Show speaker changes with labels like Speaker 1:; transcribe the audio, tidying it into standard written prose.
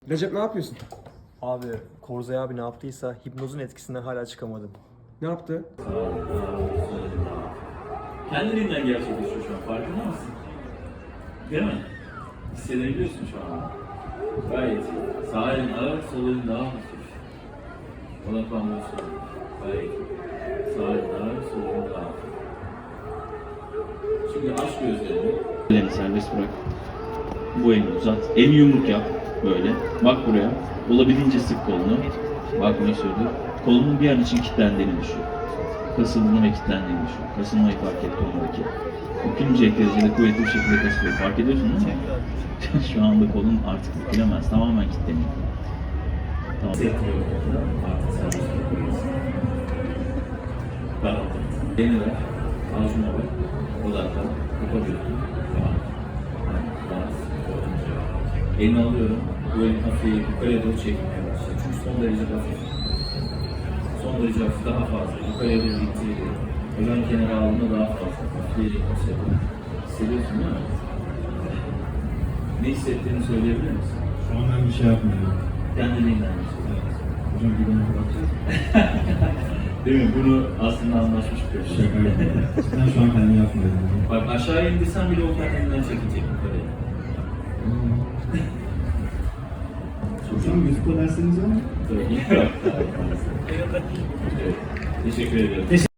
Speaker 1: Recep ne yapıyorsun?
Speaker 2: Abi Korzay abi ne yaptıysa hipnozun etkisinden hala çıkamadım.
Speaker 1: Ne yaptı?
Speaker 3: Kendiliğinden gerçekleşiyor şu an. Farkında mısın? Değil mi? Hissedebiliyorsun şu an. Gayet iyi. Sağ elin ağır, sol elin daha hafif. Odaklanmıyorsun. Gayet iyi. Sağ elin ağır, sol elin daha hafif. Şimdi aç gözlerini.
Speaker 4: Elini serbest bırak. Bu elini uzat. Elini yumruk yap. Böyle. Bak buraya. Olabildiğince sık kolunu. Bak ne söylüyor. Kolunun bir an için kilitlendiğini düşün. Kasıldığını ve kilitlendiğini düşün. Kasılmayı fark et kolundaki. Bükülmeyecek derecede kuvvetli bir şekilde kasılıyor. Fark ediyorsun değil mi? Şu anda kolun artık bükülemez. Tamamen kilitleniyor. Tamam.
Speaker 3: Hissetmiyorum. Artık serbest bırakabilirsin. Tamam. Elini ver. Avucuna bak. Odaklan. Yapabiliyorsun. Tamam. Elini alıyorum. Bu elin hafif yukarıya doğru çekmeye başlıyor. Çünkü son derece hafif. Son derece hafif daha fazla. Yukarıya doğru gittiği gibi. Hocam kenara aldığında daha fazla. Hafifleyecek bir şey. Hissediyorsun değil mi? Ne hissettiğini söyleyebilir misin?
Speaker 5: Şu an ben bir şey yapmıyorum.
Speaker 3: Kendiliğinden bir şey.
Speaker 5: Hocam bir bana bakacağız.
Speaker 3: Değil mi? Bunu aslında anlaşmış bir şey.
Speaker 5: Şaka yapıyorum. Ben şu an kendimi yapmıyorum.
Speaker 3: Bak aşağı indirsen bile o kendinden çekecek yukarıya.
Speaker 5: Hocam YouTube'da dersleriniz var mı?
Speaker 3: Evet. Teşekkür ederim.